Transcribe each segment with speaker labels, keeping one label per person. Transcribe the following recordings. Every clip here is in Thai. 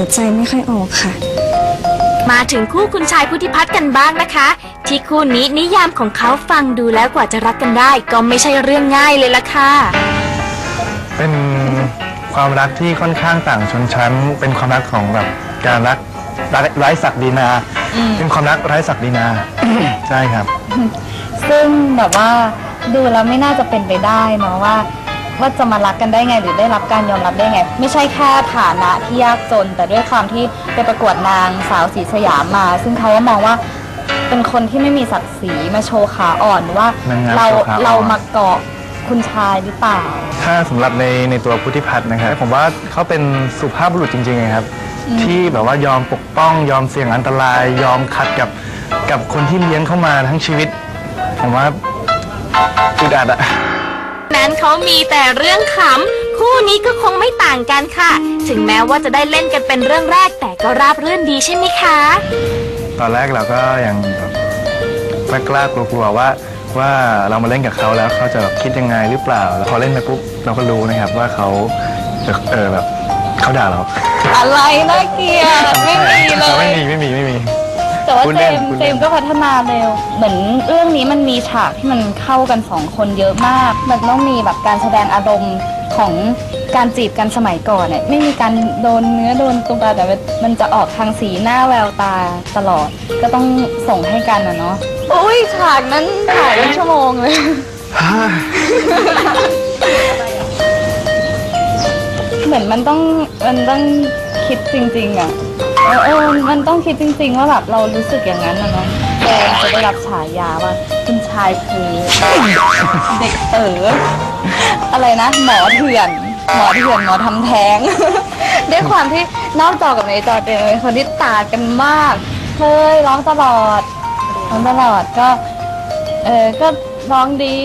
Speaker 1: ใจไม่ค่อยออกค่ะ
Speaker 2: มาถึงคู่คุณชายพุทธิพัฒน์กันบ้างนะคะ ที่คู่นี้นิยามของเขาฟังดูแล้วกว่าจะรักกันได้ ก็ไม่ใช่เรื่องง่ายเลยล่ะค่ะ
Speaker 3: เป็นความรักที่ค่อนข้างต่างชนชั้น เป็นความรักของแบบการรักไร้ศักดินา เป็นความรักไร้ศักดินา ใช่ครับ
Speaker 4: ซึ่งแบบว่าดูแล้วไม่น่าจะเป็นไปได้เนาะว่าจะมารักกันได้ไงหรือได้รับการยอมรับได้ไง ไม่ใช่แค่ฐานะที่ยากจน แต่ด้วยความที่ไปประกวดนางสาวศรีสยามมา ซึ่งเขาก็มองว่าเป็นคนที่ไม่มีศักดิ์ศรีมาโชว์ขาอ่อนว่าน
Speaker 3: างงาม
Speaker 4: เรา
Speaker 3: โชว์ขาอ่อน
Speaker 4: เรามาเกาะคุณชายหรือเปล่า
Speaker 3: ถ้าสำหรับในตัวพุทธิพัฒน์นะครับผมว่าเขาเป็นสุภาพบุรุษจริงๆครับ ที่แบบว่ายอมปกป้องยอมเสี่ยงอันตราย ยอมขัดกับคนที่เลี้ยงเข้ามาทั้งชีวิต ผมว่าอึดอัดอะ
Speaker 2: นั้นเขามีแต่เรื่องขำคู่นี้ก็คงไม่ต่างกันค่ะ ถึงแม้ว่าจะได้เล่นกันเป็นเรื่องแรกแต่ก็ราบรื่นดีใช่ไหมคะ
Speaker 3: ตอนแรกเราก็ยังแบบกล้ากลัวๆว่าเรามาเล่นกับเขาแล้วเขาจะแบบคิดยังไงหรือเปล่าแล้วพอเล่นไปปุ๊บเราก็รู้นะครับว่าเขาแบบเขาด่าเรา
Speaker 4: อะไรน่าเกลียดไม่มีเลย
Speaker 3: ไม่มี
Speaker 4: แต่ว่า
Speaker 3: พูด
Speaker 4: เจ
Speaker 3: เล่น
Speaker 4: มส์
Speaker 3: พูด
Speaker 4: เจ
Speaker 3: เล่น
Speaker 4: มส์ก็พัฒนาเร็ว เหมือนเรื่องนี้มันมีฉากที่มันเข้ากันสองคนเยอะมาก มันต้องมีแบบการแสดงอารมณ์ของการจีบกันสมัยก่อนเนี่ยไม่มีการโดนเนื้อโดนตัวแต่มันจะออกทางสีหน้าแววตาตลอด ก็ต้องส่งให้กันนะเนาะอุ้ยฉากนั้นถ่ายเป็นชั่วโมงเลย เหมือนมันต้องคิดจริงๆอ่ะมันต้องคิดจริงๆว่าแบบเรารู้สึกอย่างนั้นนะเนาะแกจะได้รับฉายาว่าคุณชายคือเด็กเต๋ออะไรนะหมอเถื่อนหมอทำแท้ง ด้วยความที่นอกจอกับในจอเป็นคนที่ต่างกันมากเคยร้องตลอดก็ก็ร้องดี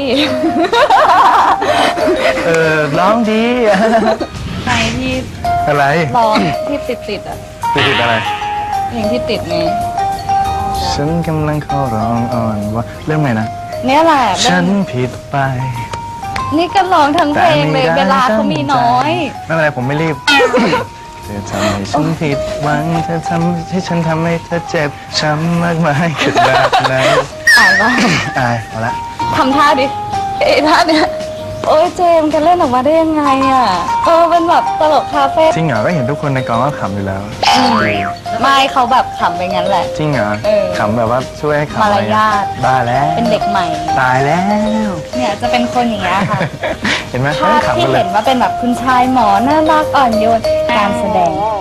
Speaker 3: ร้องดี
Speaker 4: ในที่
Speaker 3: อะไร
Speaker 4: ร้องที่ติดอ่ะ
Speaker 3: ติดอะไร
Speaker 4: เพลงที่ติดนี้
Speaker 3: ฉันกำลังเข้าร้องอ่อนว่าเรื่องไหนนะ
Speaker 4: เนี่ยแหละ
Speaker 3: ฉันผิดไป
Speaker 4: นี่ก็ร้องทั้งเพลงเลยเวลาเขามีน้อย
Speaker 3: ไม่เป็นไรผมไม่รีบ เธอทำให้ฉันผิดหวังเธอทำให้ฉันทำให้เธอเจ็บช้ำมากมายขนาดไหน
Speaker 4: อายปะ
Speaker 3: อายเอาละ
Speaker 4: ทำท่าดิท่าเนี้ยโอ้ยเจมส์กันเล่นออกมาได้ยังไงอ่ะเป็นแบบตลกคาเฟ่
Speaker 3: จริงเหรอก็เห็นทุกคนในกองก็ขำอยู่แล้ว
Speaker 4: ไม่เขาแบบขำไปงั้นแหละ
Speaker 3: จริงเหรอ
Speaker 4: เออ
Speaker 3: ขำแบบว่าช่วยให้ขำ
Speaker 4: มารยาท
Speaker 3: บ้าแล้ว
Speaker 4: เป็นเด็กใหม่
Speaker 3: ตายแล้ว
Speaker 4: เนี่ยจะเป็นคนอย่างเงี้ยค่ะ
Speaker 3: เห็นไหม
Speaker 4: ภาพ
Speaker 3: ขำ
Speaker 4: ที่
Speaker 3: กันเล
Speaker 4: เห็
Speaker 3: ย
Speaker 4: นว่าเป็นแบบคุณชายหมอน่ารักอ่อนโยนการแสดง